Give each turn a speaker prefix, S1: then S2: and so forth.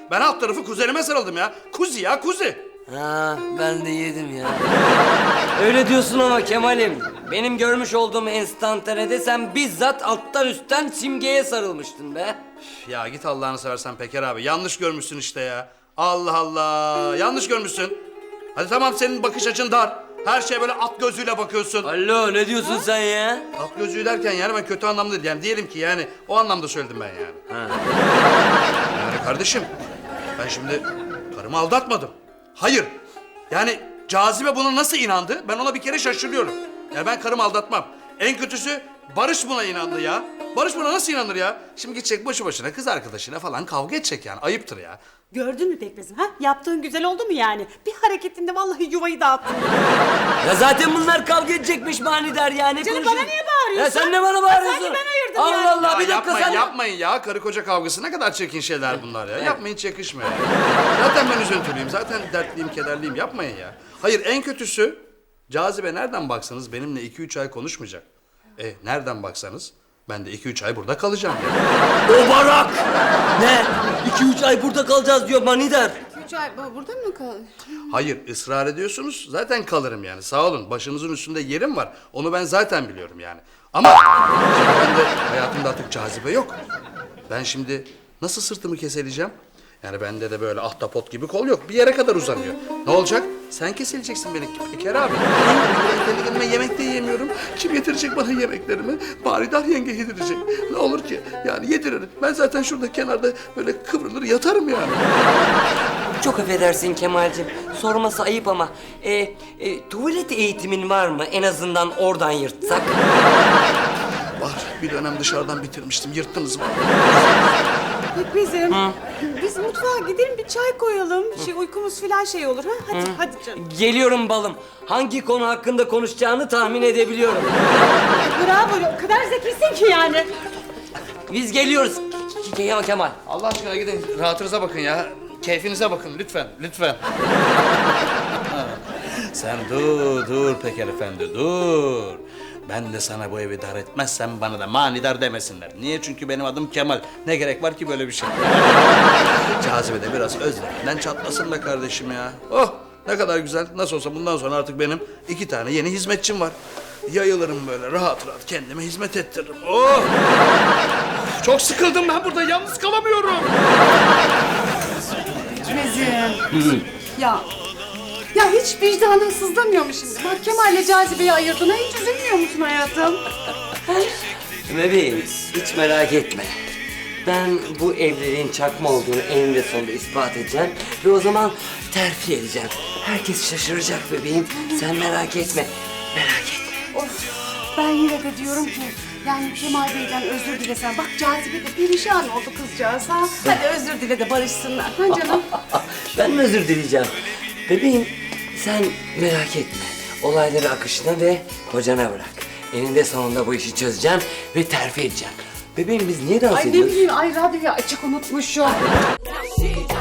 S1: Ben alt tarafı kuzenime sarıldım ya. Kuzi ya, kuzi.
S2: Ha, ben de yedim ya. Öyle diyorsun ama Kemal'im. Benim görmüş olduğum enstantanede sen bizzat alttan üstten Simge'ye sarılmıştın be.
S1: Ya git Allah'ını seversen Peker abi. Yanlış görmüşsün işte ya. Allah Allah. Yanlış görmüşsün. Hadi tamam, senin bakış açın dar. Her şeye böyle at gözüyle bakıyorsun.
S2: Alo, ne diyorsun sen ya?
S1: At gözüyle derken yani ben kötü anlamda değil. Yani diyelim ki yani o anlamda söyledim ben yani.
S2: Ha.
S1: Yani kardeşim, ben şimdi karımı aldatmadım. Hayır. Yani Cazibe buna nasıl inandı? Ben ona bir kere şaşırıyorum. Yani ben karımı aldatmam. En kötüsü Barış buna inandı ya. Barış buna nasıl inanır ya? Şimdi gidecek boşu boşuna kız arkadaşına falan kavga edecek yani. Ayıptır ya.
S3: Gördün mü Pekmez'im ha? Yaptığın güzel oldu mu yani? Bir hareketinde vallahi yuvayı dağıttın.
S2: Ya zaten bunlar kavga edecekmiş manidar yani.
S3: Canım,
S2: Konuşun.
S3: bana niye bağırıyorsun?
S2: Ya sen ne bana bağırıyorsun?
S3: Sanki ben ayırdım
S2: Allah
S3: yani.
S2: Allah,
S1: Ya
S2: bir dakika
S1: yapmayın,
S2: sen.
S1: yapmayın ya. Karı koca kavgası ne kadar çirkin şeyler bunlar ya. Yapmayın, hiç yakışmıyor ya. Zaten ben üzüntülüyüm. Zaten dertliyim, kederliyim. Yapmayın ya. Hayır, en kötüsü Cazibe nereden baksanız benimle 2-3 ay konuşmayacak. Nereden baksanız ben de 2-3 ay burada kalacağım yani.
S2: O barak! Ne? 2-3 ay burada kalacağız diyor manidar.
S3: 3 ay burada mı kalıyor?
S1: Hayır, ısrar ediyorsunuz. Zaten kalırım yani. Sağ olun. Başınızın üstünde yerim var. Onu ben zaten biliyorum yani. Ama şimdi ben de hayatımda artık Cazibe yok. Ben şimdi nasıl sırtımı keseleyeceğim? Yani bende de böyle ahtapot gibi kol yok. Bir yere kadar uzanıyor. Ne olacak? Sen kesileceksin beni Peker abi. Ben kendi kendime yemek de yiyemiyorum. Kim yedirecek bana yemeklerimi? Manidar yenge yedirecek. Ne olur ki? Yani yediririm. Ben zaten şurada kenarda böyle kıvrılır yatarım yani.
S2: Çok affedersin Kemal'cim. Sorması ayıp ama tuvalet eğitimin var mı? En azından oradan yırtsak.
S1: Var. Bir dönem dışarıdan bitirmiştim. Yırttınız mı?
S3: Pekmez'im, biz mutfağa gidelim bir çay koyalım. Uykumuz falan şey olur ha. Hadi canım.
S2: Geliyorum balım. Hangi konu hakkında konuşacağını tahmin edebiliyorum.
S3: Bravo, o kadar zekisin ki yani.
S2: Biz geliyoruz. Kemal.
S1: Allah aşkına gidin. Rahatınıza bakın ya. Keyfinize bakın lütfen. Lütfen. Sen dur Peker Efendi dur. Ben de sana bu evi dar etmezsem bana da manidar demesinler. Niye? Çünkü benim adım Kemal. Ne gerek var ki böyle bir şey? Cazibe de biraz özleminden çatlasın be kardeşim ya. Oh, ne kadar güzel. Nasıl olsa bundan sonra artık benim 2 tane yeni hizmetçim var. Yayılırım böyle rahat rahat kendime hizmet ettiririm. Oh! Çok sıkıldım ben burada. Yalnız kalamıyorum.
S3: Pekmez'im. Ya hiç vicdanın sızlamıyor mu şimdi? Bak Kemal'le Cazibe'yi ayırdın. Hiç üzülmüyor musun hayatım?
S2: Bebeğim hiç merak etme. Ben bu evliliğin çakma olduğunu eninde sonunda ispat edeceğim. Ve o zaman terfi edeceğim. Herkes şaşıracak bebeğim. Sen merak etme. Merak etme.
S3: Of, ben yine de diyorum ki yani Kemal Bey'den özür dilesen. Bak Cazibe de perişan oldu kızcağız ha. Hadi özür dile de barışsınlar. Ha canım?
S2: Ben mi özür dileyeceğim? Bebeğim sen merak etme. Olayları akışına ve kocana bırak. Eninde sonunda bu işi çözeceğim ve terfi edeceğim. Bebeğim biz niye dans
S3: Ay ne
S2: ediyoruz?
S3: bileyim, ay radyoyu açık unutmuşum.